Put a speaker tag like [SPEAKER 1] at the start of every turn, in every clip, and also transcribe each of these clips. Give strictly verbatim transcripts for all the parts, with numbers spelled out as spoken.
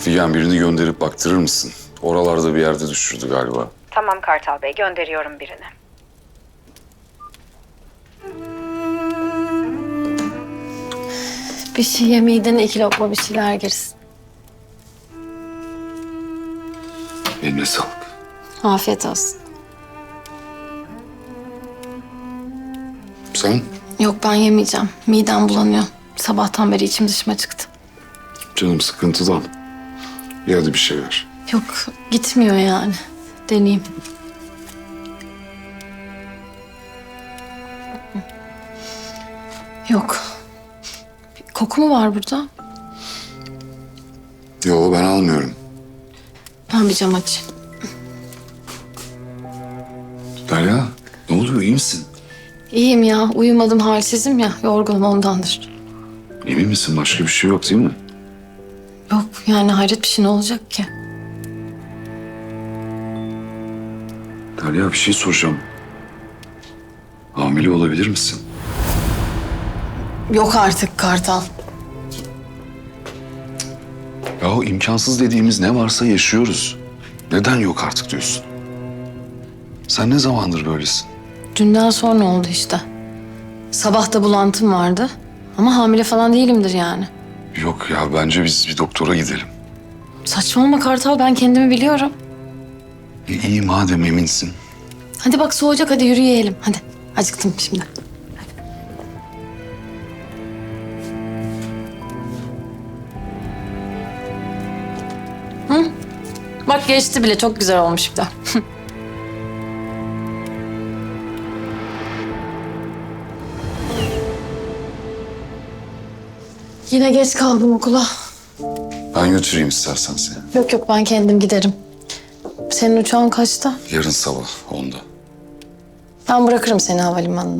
[SPEAKER 1] Figen, birini gönderip baktırır mısın? Oralarda bir yerde düşürdü galiba.
[SPEAKER 2] Tamam Kartal Bey, gönderiyorum birini.
[SPEAKER 3] Bir şey yemeyden iki lokma bir şeyler girsin.
[SPEAKER 1] Eline sağlık.
[SPEAKER 3] Afiyet olsun.
[SPEAKER 1] Sen?
[SPEAKER 3] Yok ben yemeyeceğim. Midem bulanıyor. Sabahtan beri içim dışıma çıktı.
[SPEAKER 1] Canım sıkıntıdan. Ya hadi bir şey ver.
[SPEAKER 3] Yok gitmiyor yani. Deneyeyim. Yok. Bir koku mu var burada?
[SPEAKER 1] Yo, ben almıyorum.
[SPEAKER 3] Ben bir cam açayım.
[SPEAKER 1] Derya, ne oluyor, iyi misin?
[SPEAKER 3] İyiyim ya. Uyumadım, halsizim ya. Yorgunum ondandır.
[SPEAKER 1] Emin misin? Başka bir şey yok değil mi?
[SPEAKER 3] Yok yani hayret bir şey ne olacak ki?
[SPEAKER 1] Derya, bir şey soracağım. Hamile olabilir misin?
[SPEAKER 3] Yok artık Kartal.
[SPEAKER 1] Yahu imkansız dediğimiz ne varsa yaşıyoruz. Neden yok artık diyorsun? Sen ne zamandır böylesin?
[SPEAKER 3] Dünden sonra oldu işte. Sabah da bulantım vardı. Ama hamile falan değilimdir yani.
[SPEAKER 1] Yok ya, bence biz bir doktora gidelim.
[SPEAKER 3] Saçmalama Kartal, ben kendimi biliyorum.
[SPEAKER 1] E, iyi madem eminsin.
[SPEAKER 3] Hadi bak soğuyacak, hadi yürüyelim. Hadi, acıktım şimdi. Hadi. Hı? Bak geçti bile, çok güzel olmuş bir de. Yine geç kaldım okula.
[SPEAKER 1] Ben götüreyim istersen seni.
[SPEAKER 3] Yok yok, ben kendim giderim. Senin uçağın kaçta?
[SPEAKER 1] Yarın sabah onda.
[SPEAKER 3] Ben bırakırım seni havalimanına.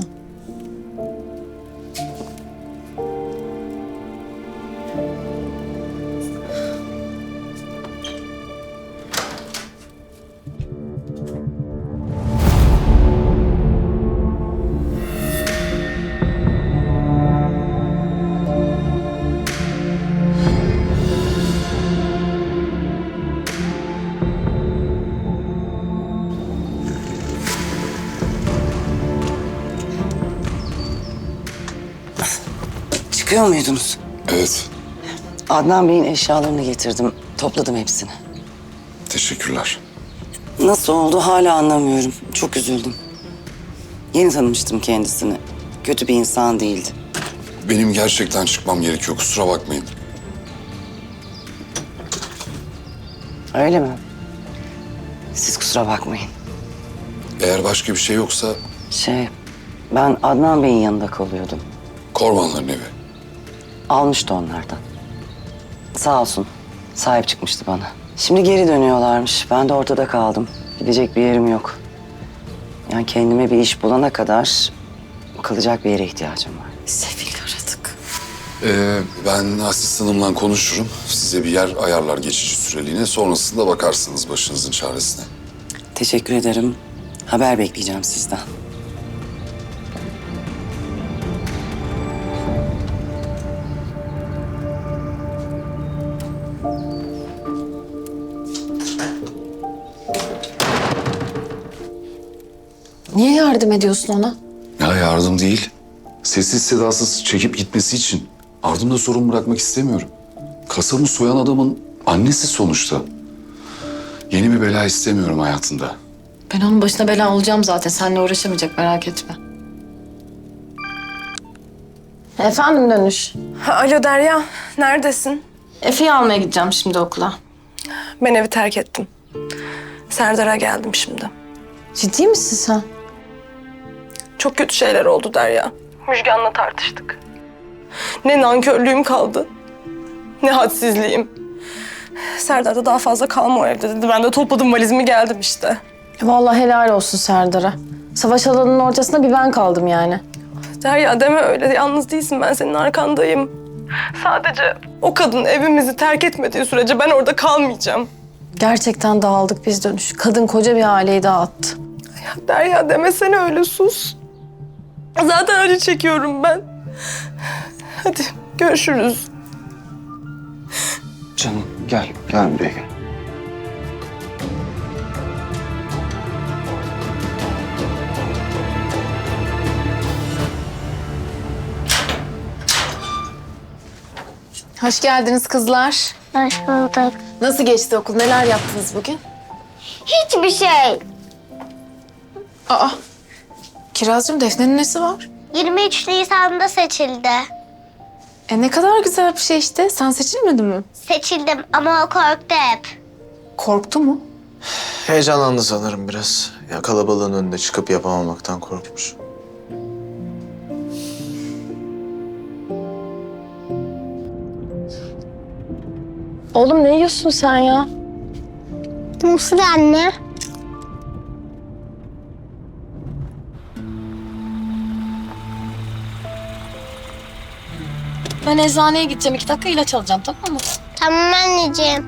[SPEAKER 4] Çıkıyor muydunuz?
[SPEAKER 1] Evet,
[SPEAKER 4] Adnan Bey'in eşyalarını getirdim. Topladım hepsini.
[SPEAKER 1] teşekkürler.
[SPEAKER 4] Nasıl oldu hala anlamıyorum. Çok üzüldüm. Yeni tanımıştım kendisini. Kötü bir insan değildi.
[SPEAKER 1] Benim gerçekten çıkmam gerekiyor, kusura bakmayın.
[SPEAKER 4] Öyle mi? Siz kusura bakmayın.
[SPEAKER 1] Eğer başka bir şey yoksa
[SPEAKER 4] Şey, ben Adnan Bey'in yanında kalıyordum.
[SPEAKER 1] Kormanların evi.
[SPEAKER 4] Almıştı onlardan. Sağ olsun. Sahip çıkmıştı bana. Şimdi geri dönüyorlarmış. Ben de ortada kaldım. Gidecek bir yerim yok. Yani kendime bir iş bulana kadar kalacak bir yere ihtiyacım var.
[SPEAKER 3] Sefil aradık.
[SPEAKER 1] Ee, ben asistanımla konuşurum. Size bir yer ayarlar geçici süreliğine. Sonrasında bakarsınız başınızın çaresine.
[SPEAKER 4] Teşekkür ederim. Haber bekleyeceğim sizden.
[SPEAKER 3] Niye yardım ediyorsun ona?
[SPEAKER 1] Ya yardım değil. Sessiz sedasız çekip gitmesi için. Ardımda sorun bırakmak istemiyorum. Kasabı soyan adamın annesi sonuçta. Yeni bir bela istemiyorum hayatında.
[SPEAKER 3] Ben onun başına bela olacağım zaten. Seninle uğraşamayacak, merak etme. Efendim Dönüş.
[SPEAKER 5] Alo Derya, neredesin?
[SPEAKER 3] Efe'yi almaya gideceğim şimdi okula.
[SPEAKER 5] Ben evi terk ettim. Serdar'a geldim şimdi.
[SPEAKER 3] Ciddi misin sen?
[SPEAKER 5] Çok kötü şeyler oldu Derya. Müjgan'la tartıştık. Ne nankörlüğüm kaldı, ne hadsizliğim. Serdar da daha fazla kalma o evde dedi. Ben de topladım valizimi geldim işte.
[SPEAKER 3] Vallahi helal olsun Serdar'a. Savaş alanının ortasında bir ben kaldım yani.
[SPEAKER 5] Derya deme öyle, yalnız değilsin, ben senin arkandayım. Sadece o kadın evimizi terk etmediği sürece ben orada kalmayacağım.
[SPEAKER 3] Gerçekten dağıldık biz Dönüş. Kadın koca bir aileyi dağıttı.
[SPEAKER 5] Ya Derya demesene öyle, sus. Zaten acı çekiyorum ben. Hadi görüşürüz.
[SPEAKER 4] Canım.
[SPEAKER 6] Gel, gel buraya gel.
[SPEAKER 3] Hoş geldiniz kızlar.
[SPEAKER 7] Hoş bulduk.
[SPEAKER 3] Nasıl geçti okul? Neler yaptınız bugün?
[SPEAKER 7] Hiçbir şey.
[SPEAKER 3] Aa, Kirazcığım Defne'nin nesi var?
[SPEAKER 7] yirmi üç Nisan'da seçildi.
[SPEAKER 3] E ne kadar güzel bir şey işte. Sen seçilmedin mi?
[SPEAKER 7] Seçildim ama o korktu hep.
[SPEAKER 3] Korktu mu?
[SPEAKER 6] Heyecanlandı sanırım biraz. Ya kalabalığın önünde çıkıp yapamamaktan korkmuş.
[SPEAKER 3] Oğlum ne yiyorsun sen ya?
[SPEAKER 7] Mısır anne.
[SPEAKER 3] Ben eczaneye gideceğim. İki dakika ilaç alacağım, tamam mı?
[SPEAKER 7] Tamam anneciğim.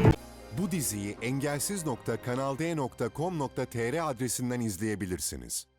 [SPEAKER 8] Bu diziyi engelsiz nokta kanal d nokta com nokta tr adresinden izleyebilirsiniz.